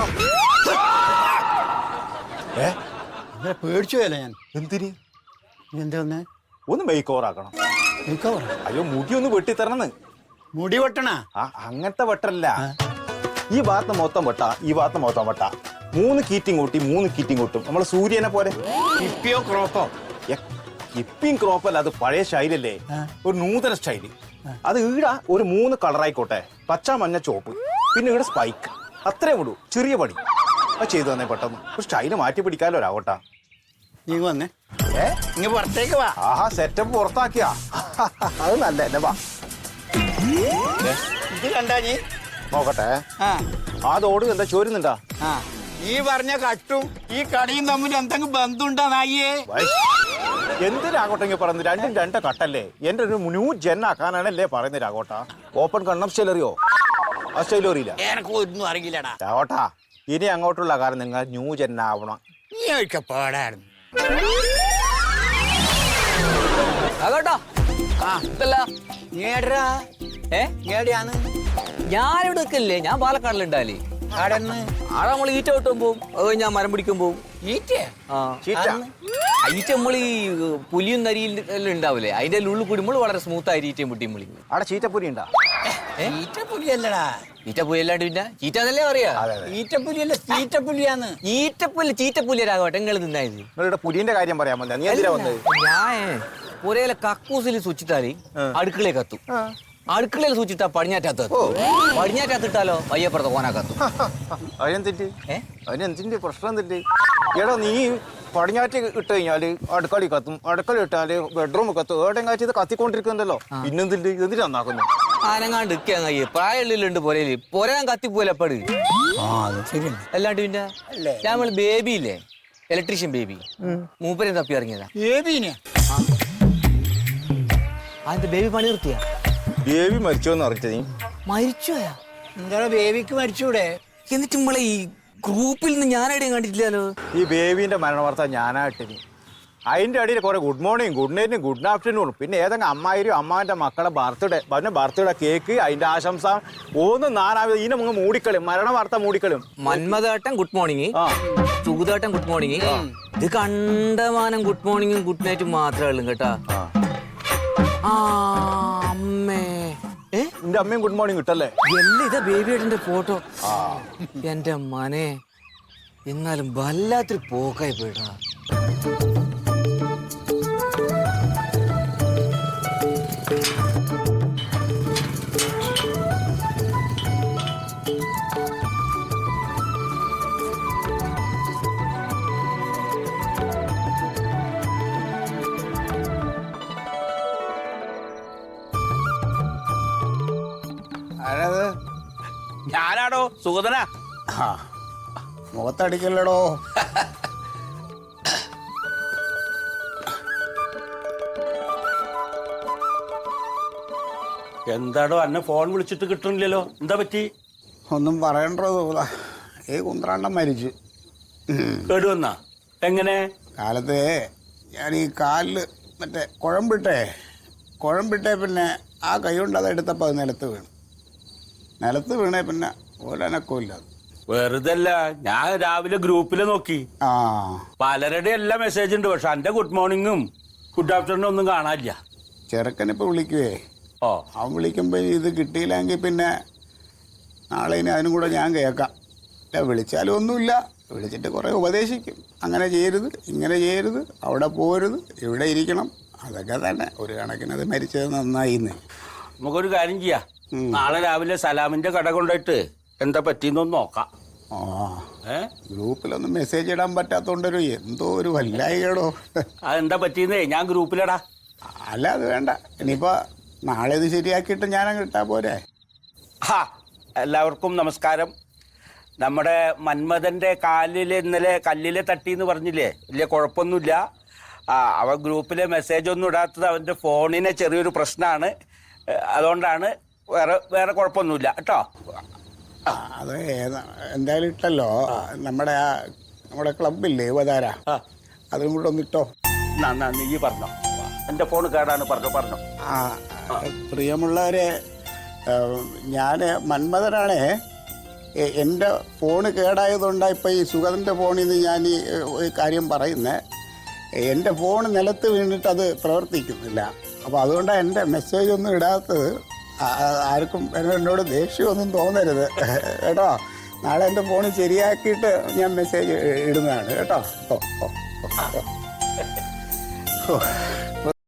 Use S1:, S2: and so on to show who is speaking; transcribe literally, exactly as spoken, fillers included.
S1: ഏ
S2: പേടിച്ചു പോയല്ലേ ഞാൻ.
S1: എന്തിന്?
S2: എന്താ വന്നേ?
S1: ഒന്ന് മേക്ക് ഓവർ ആക്കണം.
S2: Makeover?
S1: അയ്യോ മുടി ഒന്ന് വെട്ടിത്തരണെന്ന്.
S2: മുടി വെട്ടണ?
S1: ആ അങ്ങനത്തെ വെട്ടല്ല. ഈ ഭാഗത്ത് മൊത്തം വെട്ടാ, ഈ ഭാഗത്ത് മൊത്തം വെട്ടാ. മൂന്ന് കീറ്റിങ് കൂട്ടി മൂന്ന് കീറ്റിങ് കൂട്ടും. നമ്മളെ സൂര്യനെ പോലെ.
S2: ഇപ്പിയോ ക്രോപ്പോ?
S1: ഇപ്പിയും ക്രോപ്പല്ല, അത് പഴയ സ്റ്റൈലല്ലേ, ഒരു നൂതന സ്റ്റൈല്. അത് ഈട ഒരു മൂന്ന് കളറായിക്കോട്ടെ, പച്ച മഞ്ഞ ചോപ്പ്, പിന്നെ ഇവിടെ സ്പൈക്ക്, അത്രേ ഉള്ളൂ. ചെറിയ പണി അത് ചെയ്തു തന്നെ പെട്ടെന്ന്. ഒരു സ്റ്റൈല് മാറ്റി പിടിക്കാലോ രാവട്ടാ.
S2: നീ വന്നേ. ഏ ഇങ്ങ പുറത്തേക്ക് വാ.
S1: ആഹാ സെറ്റപ്പ് പുറത്താക്കിയാ, അത് നല്ല അല്ലേ. വാ
S2: ഇത് കണ്ടാ നീ?
S1: നോക്കട്ടെ.
S2: ആ
S1: അതോട് എന്താ ചോരുന്നുണ്ടാ?
S2: ആ ഈ പറഞ്ഞ കട്ടും ഈ കടയും തമ്മിൽ എന്തെങ്കിലും ബന്ധമുണ്ടാ നായിയേ?
S1: എന്തിനാകോട്ടെങ്കിൽ പറയുന്നത്? രണ്ടും രണ്ട് കട്ടല്ലേ. എന്റെ ഒരു ന്യൂ ജെൻ ആക്കാനാണല്ലേ പറയുന്നത് രാഘോട്ടാ. ഓപ്പൺ കണ്ണം സ്റ്റൈൽ അറിയോ? ആ സ്റ്റൈൽ അറിയില്ല.
S2: എനക്ക് ഒന്നും അറിയില്ലടാ
S1: രാഘോട്ടാ. ഇനി അങ്ങോട്ടുള്ള കാര്യം നിങ്ങൾ ന്യൂ ജെൻ ആവണം.
S2: നീ ഒഴിക്ക പാടായിരുന്നു.
S3: ഞാനിവിടെ നിൽക്കല്ലേ, ഞാൻ പാലക്കാടിലുണ്ടാലേ. ആടെ നമ്മൾ ഈറ്റ കിട്ടും പോവും, അത് ഞാൻ മരം പിടിക്കും പോവും. ഈറ്റ ഈറ്റ നമ്മൾ ഈ പുലിയും നരിയും എല്ലാം ഉണ്ടാവില്ലേ, അതിന്റെ ഉള്ളിൽ കൂടി നമ്മൾ വളരെ സ്മൂത്ത് ആയി ഈറ്റയും മുട്ടിയും വിളിക്കും.
S1: അവിടെ ചീറ്റപ്പുലി ഉണ്ടാ?
S2: ഈറ്റപ്പുലിയല്ലടാ.
S3: ഈറ്റപ്പുലി അല്ലാണ്ട് പിന്നെ ചീറ്റാന്നല്ലേ പറയാ?
S2: ഈറ്റപ്പുലിയല്ല, ചീറ്റപ്പുലിയാന്ന്.
S3: ഈറ്റപ്പുലി ചീറ്റപ്പുലിയരാകട്ടെ. നിങ്ങൾ തിന്നായത്
S1: നിങ്ങളുടെ പുലിന്റെ കാര്യം പറയാൻ പറ്റില്ല. നീ എന്തിനാ വന്നത്?
S3: ഞാൻ പുരയിലെ കക്കൂസിൽ സൂക്ഷിച്ചാല് അടുക്കളയെ കത്തും, അടുക്കളയിൽ സൂക്ഷിട്ടാ പടിഞ്ഞാറ്റാത്ത, പടിഞ്ഞാറ്റാത്തിട്ടാലോ വയ്യപ്പുറത്ത് കോനാ കത്തും.
S1: അതിനെന്തിട്ട്? അതിനെന്തിന്റെ പ്രശ്നം എന്തിട്ട്? എടാ നീ പടിഞ്ഞാറ്റ് ഇട്ട് കഴിഞ്ഞാല് അടുക്കളി കത്തും, അടുക്കള ഇട്ടാല് ബെഡ്റൂം കത്തും, ഏടെയും കാറ്റ് ഇത് കത്തിക്കൊണ്ടിരിക്കുന്നല്ലോ. പിന്നെന്തിട്ട്? എന്തിനാ നന്നാക്കുന്നു?
S3: ആനങ്ങാണ്ട് ഇരിക്കാൻ കഴിയും, പ്രായമുള്ളിലുണ്ട് പുരയില്. പുരയാൻ കത്തിപ്പോലെപ്പട് അല്ലാണ്ട് പിന്നെ നമ്മൾ ബേബി ഇല്ലേ, ഇലക്ട്രീഷ്യൻ ബേബി, മൂപ്പരെ തപ്പി ഇറങ്ങിയതാ.
S2: ബേബീനെ?
S3: അതിന്റെ ബേബി പണി നിർത്തിയാ?
S1: ബേബി മരിച്ചോന്ന് അറിഞ്ഞ നീ?
S3: മരിച്ചോയാ?
S2: എന്താ ബേബിക്ക് മരിച്ചൂടെ?
S3: എന്നിട്ട് നമ്മളെ ഈ ഗ്രൂപ്പിൽ നിന്ന് ഞാനെവിടെയും കണ്ടിട്ടില്ലല്ലോ.
S1: ഈ ബേബിന്റെ മരണ വാർത്ത ഞാനായിട്ടിനി. അതിന്റെ അടിയിൽ കുറെ ഗുഡ് മോർണിംഗ്, ഗുഡ് നൈറ്റും, ഗുഡ് ആഫ്റ്റർനൂണും, പിന്നെ ഏതെങ്കിലും അമ്മായിരും അമ്മാവിന്റെ മക്കളെ ബർത്ത്ഡേ, പിന്നെ ബർത്ത്ഡേ കേക്ക്, അതിന്റെ ആശംസ ഒന്നും നാനാവിധ ഇതിനെ മുങ്ങ് മൂടിക്കളും, മരണ വാർത്ത മൂടിക്കളും.
S3: മന്മദേട്ടൻ ഗുഡ് മോർണിംഗ്, സുഗതേട്ടൻ ഗുഡ് മോർണിംഗ്, ഇത് കണ്ടമാനം ഗുഡ് മോർണിംഗും ഗുഡ് നൈറ്റും മാത്രമേ ഉള്ളൂ കേട്ടാ. ആ അമ്മേ,
S1: എന്റെ അമ്മയും ഗുഡ് മോർണിംഗ് കിട്ടല്ലേ?
S3: എല്ലാം ഇതാ ബേബിയേട്ടന്റെ ഫോട്ടോ. എന്റെ മനെ, എന്നാലും വല്ലാത്തൊരു പോക്കായി പോയിട്ടാ.
S4: ഞാനാടോ സുഗതനാ.
S2: മുഖത്തടിക്കല്ലടോ.
S4: എന്താടോ എന്നെ ഫോൺ വിളിച്ചിട്ട് കിട്ടണില്ലല്ലോ, എന്താ പറ്റി?
S2: ഒന്നും പറയണ്ടോ തോന്നാ, ഈ കുന്ത്രാണ്ടം മരിച്ചു.
S4: കേടുവന്നാ? എങ്ങനെ?
S2: കാലത്ത് ഞാൻ ഈ കാലില് മറ്റേ കുഴമ്പിട്ടേ കുഴമ്പിട്ടേ പിന്നെ ആ കൈ കൊണ്ട് അത് എടുത്തപ്പോൾ അത് നിലത്ത് വീണു. നിലത്ത് വീണേ പിന്നെ ഓലനക്കമില്ല.
S4: വെറുതെ അല്ല, ഞാൻ രാവിലെ ഗ്രൂപ്പില് നോക്കി,
S2: ആ
S4: പലരുടെ എല്ലാ മെസ്സേജ് ഉണ്ട്, പക്ഷെ എന്റെ ഗുഡ് മോർണിംഗും ഗുഡ് ആഫ്റ്റർനൂണും ഒന്നും കാണാനില്ല.
S2: ചെറുക്കനിപ്പോൾ വിളിക്കുവേ,
S4: ഓ
S2: അവൻ വിളിക്കുമ്പോൾ ഇത് കിട്ടിയില്ലെങ്കിൽ പിന്നെ നാളെ ഇനി അതിനും കൂടെ ഞാൻ കേൾക്കാം. വിളിച്ചാലും ഒന്നുമില്ല, വിളിച്ചിട്ട് കുറേ ഉപദേശിക്കും. അങ്ങനെ ചെയ്യരുത്, ഇങ്ങനെ ചെയ്യരുത്, അവിടെ പോരുത്, ഇവിടെ ഇരിക്കണം, അതൊക്കെ തന്നെ. ഒരു കണക്കിന് അത് മരിച്ചത് നന്നായിന്ന്.
S4: നമുക്കൊരു കാര്യം ചെയ്യാം, നാളെ രാവിലെ സലാമിന്റെ കട കൊണ്ടുപോയിട്ട് എന്താ പറ്റിയെന്നൊന്ന് നോക്കാം.
S2: ആ ഏ ഗ്രൂപ്പിലൊന്നും മെസ്സേജ് ഇടാൻ പറ്റാത്തോണ്ടൊരു എന്തോ ഒരു വല്ലായികേടോ.
S4: അതെന്താ പറ്റിയെന്നേ ഞാൻ ഗ്രൂപ്പിലിടാ.
S2: അല്ല അത് വേണ്ട, ഇനിയിപ്പോൾ നാളെ ഇത് ശരിയാക്കിയിട്ട് ഞാനങ്ങ് ഇട്ടാ പോരെ.
S4: ആ എല്ലാവർക്കും നമസ്കാരം. നമ്മുടെ മന്മഥന്റെ കാലിൽ ഇന്നലെ കല്ലിലെ തട്ടി എന്ന് പറഞ്ഞില്ലേ, വലിയ കുഴപ്പമൊന്നുമില്ല. ആ അവൻ ഗ്രൂപ്പിലെ മെസ്സേജ് ഒന്നും ഇടാത്തത് അവൻ്റെ ഫോണിന് ചെറിയൊരു പ്രശ്നമാണ്, അതുകൊണ്ടാണ്. വേറെ വേറെ കുഴപ്പമൊന്നുമില്ല കേട്ടോ.
S2: അത് എന്തായാലും ഇട്ടല്ലോ. നമ്മുടെ ആ നമ്മുടെ ക്ലബില്ലേ യുവതാര, അതും കൂടെ ഒന്നിട്ടോ.
S4: നീ പറഞ്ഞോ, എൻ്റെ ഫോൺ കേടാണ്, പറഞ്ഞോ പറഞ്ഞോ.
S2: ആ പ്രിയമുള്ളവരെ, ഞാൻ മന്മഥനാണേ. എ- എൻ്റെ ഫോണ് കേടായതുകൊണ്ടാണ് ഇപ്പോൾ ഈ സുഗതൻ്റെ ഫോണിൽ നിന്ന് ഞാൻ ഈ ഏ, ഒരു കാര്യം പറയുന്നത്. എൻ്റെ ഫോൺ നിലത്ത് വീണിട്ട് അത് പ്രവർത്തിക്കുന്നില്ല. അപ്പോൾ അതുകൊണ്ടാണ് എൻ്റെ മെസ്സേജ് ഒന്നും ഇടാത്തത്. ആ- ആ- ആർക്കും എന്നോട് ദേഷ്യമൊന്നും തോന്നരുത് കേട്ടോ. നാളെ എൻ്റെ ഫോൺ ശരിയാക്കിയിട്ട് ഞാൻ മെസ്സേജ് ഇടുന്നതാണ് കേട്ടോ. ഓ ഓ ഓ ഓ